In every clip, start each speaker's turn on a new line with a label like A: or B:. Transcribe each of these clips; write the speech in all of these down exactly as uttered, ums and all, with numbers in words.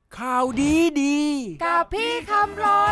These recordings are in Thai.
A: ข่าวดีดี
B: กับพี่คำรน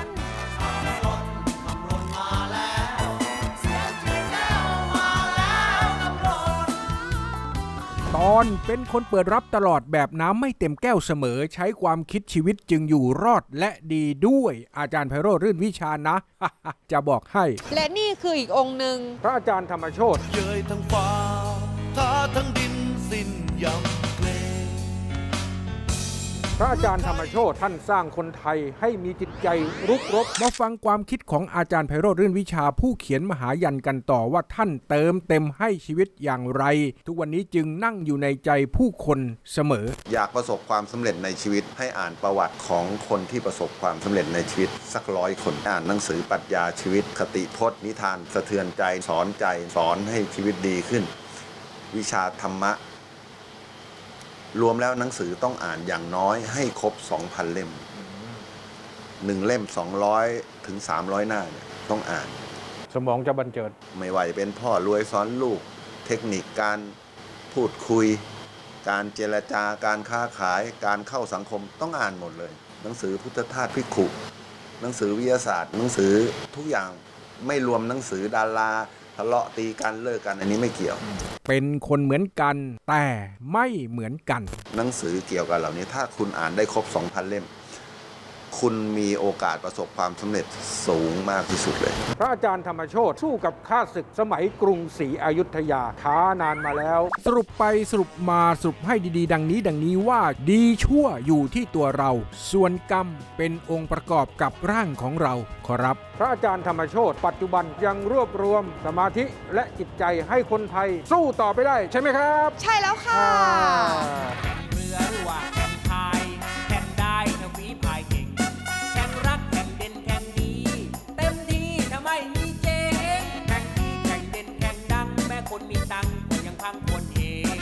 A: ตอนเป็นคนเปิดรับตลอดแบบน้ำไม่เต็มแก้วเสมอใช้ความคิดชีวิตจึงอยู่รอดและดีด้วยอาจารย์ไพโรจน์รื่นวิชานะ จะบอกให้
B: และนี่คืออีกองค์หนึ่ง
A: พระอาจารย์ธรรมโชติ
C: เย้ยทั้งฟ้าท้าทั้งดินสิ้นยำเกรง
A: พระอาจารย์ธรรมโชติท่านสร้างคนไทยให้มีจิตใจรุกรบมาฟังความคิดของอาจารย์ไพโรจน์รื่นวิชาผู้เขียนมหายันกันต่อว่าท่านเติมเต็มให้ชีวิตอย่างไรทุกวันนี้จึงนั่งอยู่ในใจผู้คนเสมอ
D: อยากประสบความสำเร็จในชีวิตให้อ่านประวัติของคนที่ประสบความสำเร็จในชีวิตสักร้อยคนอ่านหนังสือปรัชญาชีวิตคติพจน์นิทานสะเทือนใจสอนใจสอนให้ชีวิตดีขึ้นวิชาธรรมะรวมแล้วหนังสือต้องอ่านอย่างน้อยให้ครบ สองพัน เล่มหนึ่งเล่มสองร้อยถึงสามร้อยหน้าเนี่ยต้องอ่าน
A: สมองจะบันเจิด
D: ไม่ว่าจะเป็นพ่อรวยสอนลูกเทคนิคการพูดคุยการเจรจาการค้าขายการเข้าสังคมต้องอ่านหมดเลยหนังสือพุทธทาสภิกขุหนังสือวิทยาศาสตร์หนังสือทุกอย่างไม่รวมหนังสือดาราทะเลาะตีกันเลิกกันอันนี้ไม่เกี่ยว
A: เป็นคนเหมือนกันแต่ไม่เหมือนกัน
D: หนังสือเกี่ยวกับเหล่านี้ถ้าคุณอ่านได้ครบ สองพัน เล่มคุณมีโอกาสประสบความสำเร็จสูงมากที่สุดเลย
A: พระอาจารย์ธรรมโชติสู้กับข้าศึกสมัยกรุงศรีอยุธยาท้านานมาแล้วสรุปไปสรุปมาสรุปให้ดีๆดังนี้ดังนี้ว่าดีชั่วอยู่ที่ตัวเราส่วนกรรมเป็นองค์ประกอบกับร่างของเราขอรับพระอาจารย์ธรรมโชติปัจจุบันยังรวบรวมสมาธิและจิตใจให้คนไทยสู้ต่อไปได้ใช่ไหมครับ
B: ใช่แล้วค่ะ
E: เรือหรือว่าแข่งพายแข่งได้ถ้าฝีพายเก่งแข่งรักแข่งเด่นแข่งดีเต็มที่ถ้าไม่มีเจ๊งแข่งดีแข่งเด่นแข่งดังแม้คนมีตังค์ก็ยังพังคนเอง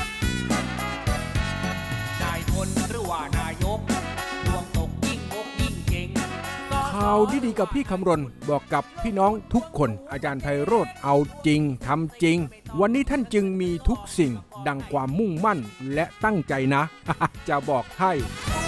E: นายพลหรือว่านายกดวงตกยิ่งงกยิ่งเก่ง
A: ข่าวดีๆกับพี่คำรณบอกกับพี่น้องทุกคนอาจารย์ไพโรจน์เอาจริงทำจริงวันนี้ท่านจึงมีทุกสิ่งดังความมุ่งมั่นและตั้งใจนะ จะบอกให้